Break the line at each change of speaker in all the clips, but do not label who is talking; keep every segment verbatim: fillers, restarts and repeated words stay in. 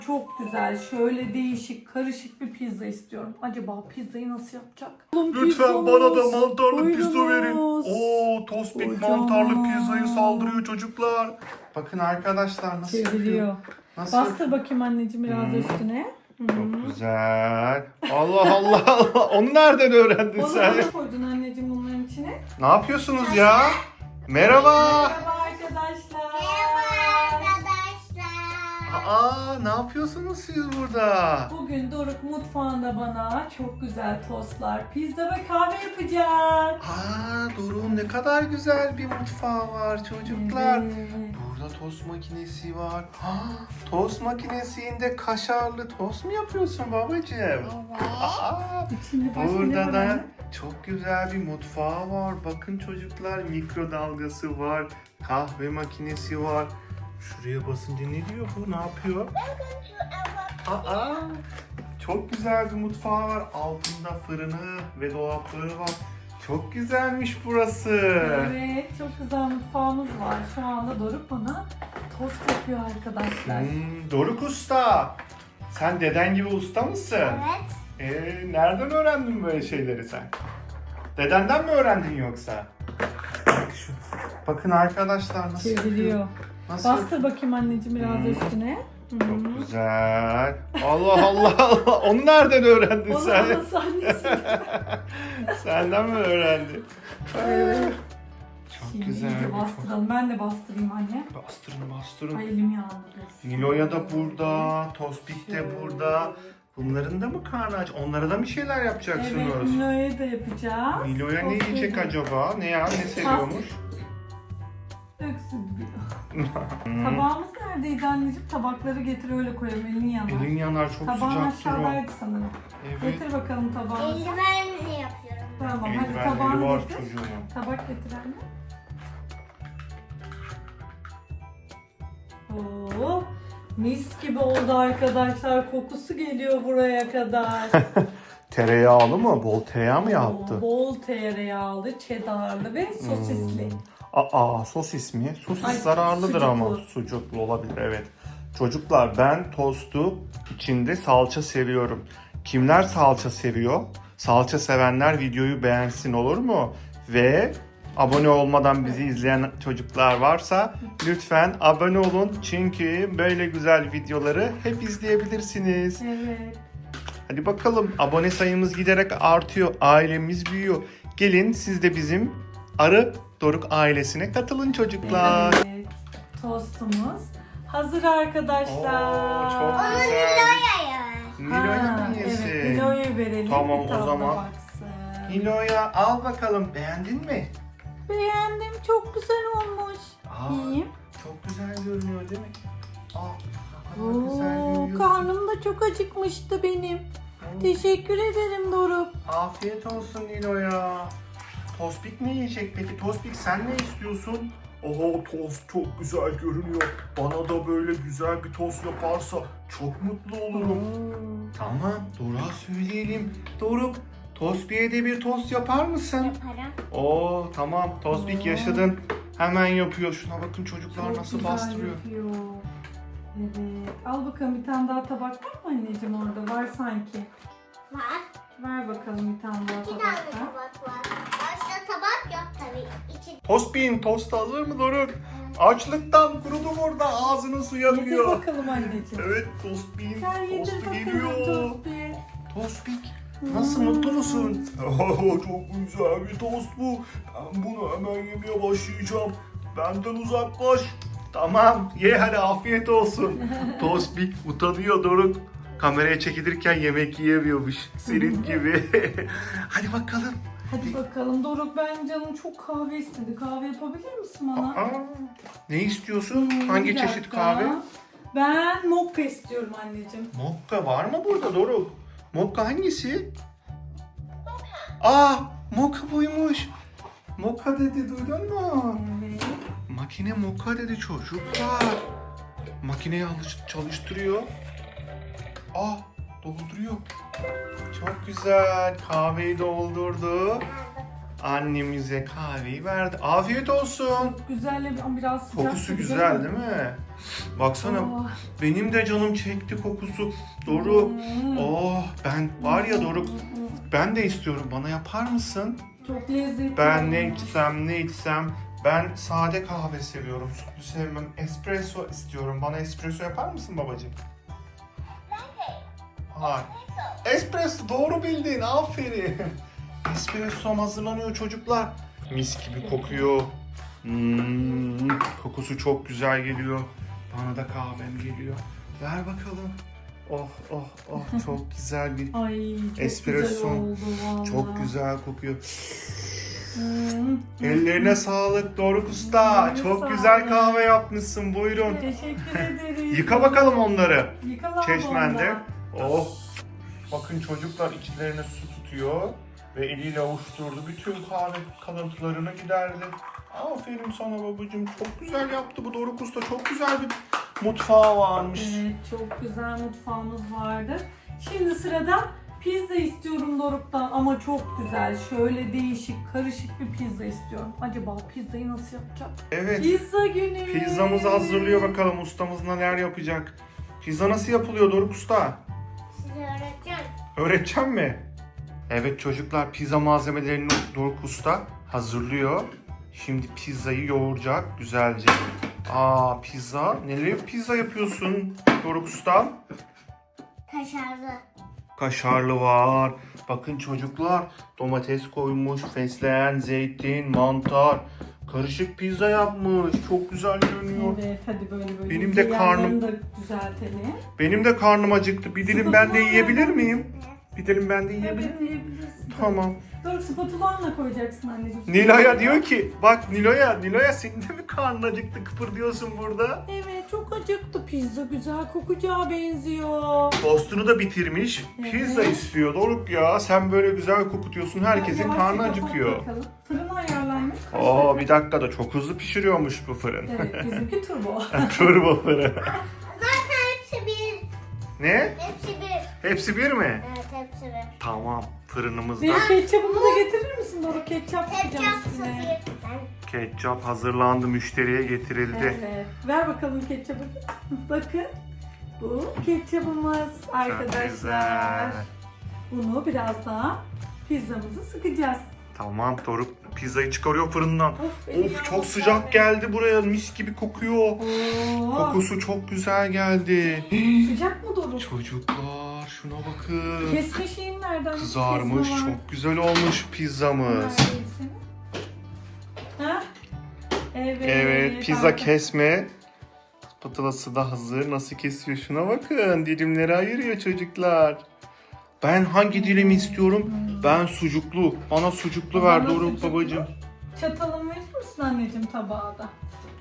Çok güzel, şöyle değişik, karışık bir pizza istiyorum. Acaba pizzayı nasıl yapacak?
Lütfen bana da mantarlı pizza verin.
Buyurunuz.
Oo, Tospik
Kocaman.
mantarlı pizzayı saldırıyor çocuklar. Bakın arkadaşlar nasıl yapıyor.
Çeviriyor.
Nasıl
Bastır bakayım anneciğim biraz
Hmm.
üstüne.
Çok güzel. Allah Allah Allah. Onu nereden öğrendin
O
sen?
zaman ne koydun anneciğim bunların içine?
Ne yapıyorsunuz ya? Merhaba.
Merhaba arkadaşlar.
Arkadaşlar.
Aa, ne yapıyorsunuz siz burada?
Bugün Doruk mutfağında bana çok güzel tostlar, pizza ve kahve yapacak.
Aa, Doruk'un ne kadar güzel bir mutfağı var çocuklar.
Evet.
Burada tost makinesi var. Ha, tost makinesinde kaşarlı tost mu yapıyorsun babacığım?
Evet.
Aa,
İçinde başka ne
burada
var
da
anne?
çok güzel bir mutfağı var. Bakın çocuklar, mikrodalgası var. Kahve makinesi var. Şuraya basınca ne diyor bu? Ne yapıyor? Aa, çok güzel bir mutfağı var. Altında fırını ve dolapları var. Çok güzelmiş burası.
Evet, çok güzel mutfağımız var. Şu anda Doruk bana tost yapıyor arkadaşlar.
Hmm, Doruk Usta. Sen deden gibi usta mısın?
Evet.
Ee, nereden öğrendin böyle şeyleri sen? Dedenden mi öğrendin yoksa? Bak şu. Bakın arkadaşlar nasıl
Çeviriyor.
yapıyor. Nasıl yapıyor?
Bastır bakayım anneciğim biraz
Hmm.
üstüne.
Çok güzel. Allah Allah Allah. Onu nereden öğrendin
O
sen?
zaman sahnesi.
Senden mi öğrendin?
Evet.
Çok
Şimdi
güzel.
iyice
bir
bastıralım. Ben de bastırayım anne.
çok- Bastırın bastırın.
Ay elim yandı. dur.
Nilo'ya da burada, Tospik de
Şöyle.
burada. Bunların da mı karnı aç? Onlara da mı şeyler
Evet,
yapacaksınız?
Nilo'ya da yapacağız.
Nilo'ya ne
Tost
yiyecek
yedim.
acaba? Ne ya? Ne seviyormuş?
Öksüz bir. Tabağımız neredeydi anneciğim? Tabakları getir öyle koyalım. Elin yanar.
Elin yanar, çok
Tabağın
sıcaktır o.
aşağıdaydı sanırım.
Evet.
Getir bakalım tabağını.
Eldivenle yapıyorum.
Tamam hadi
Eldivenleri
tabağını
var
getir.
çocuğun.
Tabak getir anne. Oo, mis gibi oldu arkadaşlar. Kokusu geliyor buraya kadar.
Tereyağlı mı? Bol tereyağı mı yaptı?
Oo, bol tereyağlı, cheddarlı ve sosisli.
Aa, sosis mi? Sosis
Ay,
zararlıdır ama.
sucuklu.
Sucuklu olabilir, evet. Çocuklar, ben tostu içinde salça seviyorum. Kimler salça seviyor? Salça sevenler videoyu beğensin, olur mu? Ve abone olmadan bizi izleyen çocuklar varsa lütfen abone olun. Çünkü böyle güzel videoları hep izleyebilirsiniz.
Evet.
Hadi bakalım, abone sayımız giderek artıyor. Ailemiz büyüyor. Gelin siz de bizim Arı Doruk ailesine katılın çocuklar.
Evet. Tostumuz hazır arkadaşlar.
Oo, çok
Onu
güzel.
Nilo'ya.
Nilo'ya
Ha,
mı yesin?
Evet, Nilo'ya verelim.
Tamam,
bir
o
tadına
zaman.
baksın.
Nilo'ya al bakalım. Beğendin mi?
Beğendim. Çok güzel olmuş.
Aa,
Yiyeyim.
çok güzel görünüyor değil mi? Aa, ne kadar güzel
Oo,
görünüyor.
karnım da çok acıkmıştı benim. Teşekkür ederim Doruk.
Afiyet olsun Nilo'ya. Tospik ne yiyecek peki? Tospik, sen ne istiyorsun? Oho, tost çok güzel görünüyor. Bana da böyle güzel bir tost yaparsa çok mutlu olurum. Tamam, Doruk'a söyleyelim. Doruk, Tospik'e de bir tost yapar mısın?
Yaparım.
Oo, tamam, Tospik
Oo.
yaşadın. Hemen yapıyor. Şuna bakın çocuklar
Çok
nasıl
güzel
bastırıyor.
yapıyor. Evet. Al bakalım bir tane daha tabak var mı anneciğim orada? Var sanki.
Var.
Ver bakalım bir tane daha
İki tane
tabak.
tabak var. Başka tabak yok tabii. İçi
Tospik'in tostu hazır mı Doruk? Açlıktan kurudum orada, ağzının suya
Yedir
akıyor.
bakalım anneciğim.
Evet, Tospik'in
Sen yedir
tostu
bakalım
geliyor.
tostu.
Tospik, nasıl, mutlu musun? Çok güzel bir tost bu. Ben bunu hemen yemeye başlayacağım. Benden uzaklaş. Tamam, ye hadi, afiyet olsun. Tospik utanıyor Doruk. Kameraya çekilirken yemek yiyemiyormuş. Senin gibi. Hadi bakalım.
Hadi bakalım Doruk, ben canım çok kahve istedi. Kahve yapabilir misin bana?
Aa, ne istiyorsun?
Hmm,
Hangi
bir
çeşit
dakika.
kahve?
Ben mokka istiyorum anneciğim.
Mokka var mı burada Doruk? Mokka hangisi? Aa, mokka buymuş. Mokka dedi, duydun mu?
Evet.
Makine mokka dedi çocuklar. Makineyi alış- çalıştırıyor. Aa, dolduruyor. Çok güzel. Kahveyi doldurdu. annemize kahveyi verdi. Afiyet olsun.
Güzel ama biraz sıcak.
Kokusu
gibi
güzel
ama.
değil mi? Baksana
Oh.
benim de canım çekti kokusu. Doruk.
Hmm.
Oh ben var ya Doruk ben de istiyorum. Bana yapar mısın?
Çok lezzetli.
Ben ne
olmuş.
içsem ne içsem ben sade kahve seviyorum. Sütlü sevmem. Espresso istiyorum. Bana espresso yapar mısın babacığım? Hayır. Espresso doğru bildin. Aferin. Espresso hazırlanıyor çocuklar. Mis gibi kokuyor. Hmm, kokusu çok güzel geliyor. Bana da kahvem geliyor. Ver bakalım. Oh oh oh çok güzel bir
Ay çok
espresso.
güzel oldu valla.
Çok güzel kokuyor.
Hmm.
Ellerine sağlık Doruk Usta.
Ellerine
Çok
sağlık.
güzel kahve yapmışsın. Buyurun.
Teşekkür ederim.
Yıka bakalım onları.
Yıka
Çeşmende.
ondan.
Oh. Bakın çocuklar içlerine su tutuyor ve eliyle avuşturdu. Bütün kahve kalıntılarını giderdi. Aferin sana babacığım. Çok güzel yaptı bu Doruk Usta. Çok güzel bir mutfağı varmış.
Evet çok güzel mutfağımız vardır. Şimdi sırada pizza istiyorum Doruk'tan ama çok güzel. Şöyle değişik, karışık bir pizza istiyorum. Acaba pizzayı nasıl yapacak?
Evet.
Pizza günü.
Pizzamızı hazırlıyor bakalım ustamız neler yapacak. Pizza nasıl yapılıyor Doruk Usta?
Size öğreteceğim.
Öğreteceğim mi? Evet çocuklar pizza malzemelerini Doruk Usta hazırlıyor. Şimdi pizzayı yoğuracak güzelce. Aa pizza. Neler pizza yapıyorsun Doruk Usta?
Kaşarlı.
Kaşarlı var. Bakın çocuklar domates koymuş, fesleğen, zeytin, mantar. Karışık pizza yapmış. Çok güzel görünüyor.
Evet hadi böyle böyle.
Benim de karnım-
Yanlarını da düzeltelim.
Benim de karnım acıktı. Bir dilim ben de yiyebilir miyim? Bir dilim ben de yiyebilir
Evet
miyim?
yiyebilirsin.
Tamam.
Doruk spatulanla koyacaksın anneciğim.
Nilo'ya diyor ki, bak Nilo'ya, Nilo'ya senin de mi karnın acıktı kıpırdıyorsun burada?
Evet çok acıktı. Pizza güzel kokacağı benziyor.
Tostunu da bitirmiş, pizza
Evet.
istiyor Doruk ya. Sen böyle güzel kokutuyorsun, herkesin
Yavaşça
karnı
kapat
acıkıyor.
bakalım. Fırın ayarlanmış. Kaç
Oo
dakika?
bir dakika da çok hızlı pişiriyormuş bu fırın.
Evet bizimki turbo.
Turbo fırın.
Zaten hepsi bir.
Ne?
Hepsi bir.
Hepsi bir mi?
Evet hepsi bir.
Tamam, fırınımızda
Benim ketçapımı da getirir misin Doruk? Ketçap
Ketçap
sıkacağım üstüne.
sıfır. Ben
ketçap hazırlandı, müşteriye getirildi.
Evet. Ver bakalım ketçapı. Bakın. Bu ketçapımız
Çok
arkadaşlar.
güzel.
Bunu biraz daha pizzamızı sıkacağız.
Tamam, Doruk pizzayı çıkarıyor fırından.
Of, elim
Of çok
yandı
sıcak
geldi.
geldi buraya, mis gibi kokuyor.
Oo.
Kokusu çok güzel geldi.
Sıcak mı Doruk?
Çocuklar şuna bakın.
Kesme şeyin nereden?
Kızarmış,
Kesme var.
çok güzel olmuş pizzamız.
Neredesin? Ha? Evet.
Evet, pizza
Harika.
kesme. Spatulası da hazır. Nasıl kesiyor şuna bakın. Dilimleri ayırıyor çocuklar. Ben hangi dilimi istiyorum? Ben sucuklu. Bana sucuklu ver
Bana
Doruk
sucuklu.
babacığım.
Çatalım verir misin anneciğim tabağa da?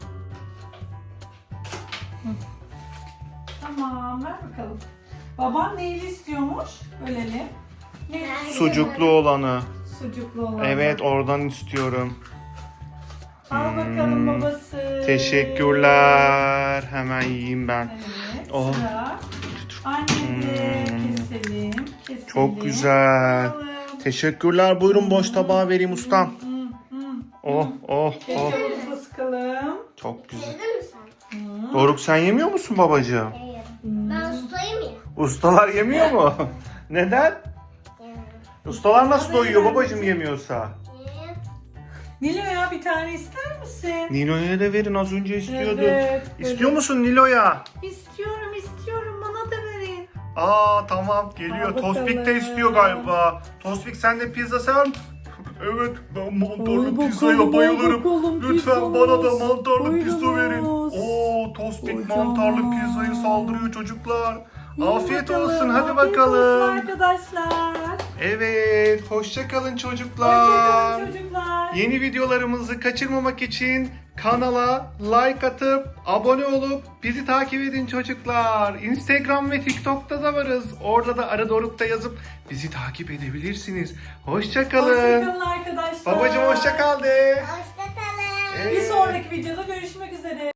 Hı. Tamam ver bakalım. Baban neyli istiyormuş? Ölelim. Ne?
Sucuklu olanı.
Sucuklu olan.
Evet, oradan istiyorum.
Al bakalım
Hmm.
babası.
Teşekkürler. Hemen yiyeyim ben.
Evet
Oh.
sıra. Annede
Hmm.
keselim. Keselim.
Çok güzel.
Alalım.
Teşekkürler. Buyurun boş tabağa vereyim ustam.
Hı, hı, hı.
Oh oh oh.
Ketçapımızı da sıkalım.
Çok güzel.
yedin mi sen?
Hı.
Doruk sen yemiyor musun babacığım?
Ben yerim.
Hmm.
Ben ustayım ya.
Ustalar yemiyor mu? Neden?
Yerim.
Ustalar nasıl doyuyor babacığım yemiyorsa?
Yerim.
Nilo'ya bir tane ister misin?
Nilo'ya da verin, az önce istiyordu.
Evet,
İstiyor
evet.
musun Nilo'ya?
İstiyorum istiyorum bana da verin.
Aa tamam geliyor.
Al bakalım.
Tospik de istiyor galiba. Tospik sen de pizza sever misin? Evet ben mantarlı
Al
pizzaya
bakalım, al
bayılırım.
bakalım,
Lütfen bana da
pizzamız.
mantarlı pizza verin.
Buyurunuz.
Oo Tospik
Kocaman.
mantarlı pizzayı saldırıyor çocuklar.
Yiyin
Afiyet
bakalım,
olsun hadi
afiyet
bakalım.
olsun arkadaşlar.
Evet hoşça kalın çocuklar.
Hoşçakalın çocuklar.
Yeni videolarımızı kaçırmamak için kanala like atıp abone olup bizi takip edin çocuklar. Instagram ve TikTok'ta da varız. Orada da Arı Doruk'ta yazıp bizi takip edebilirsiniz. Hoşça kalın.
Hoşçakalın arkadaşlar.
Babacım hoşça kal de.
Hoşçakalın.
Evet.
Bir sonraki videoda görüşmek üzere.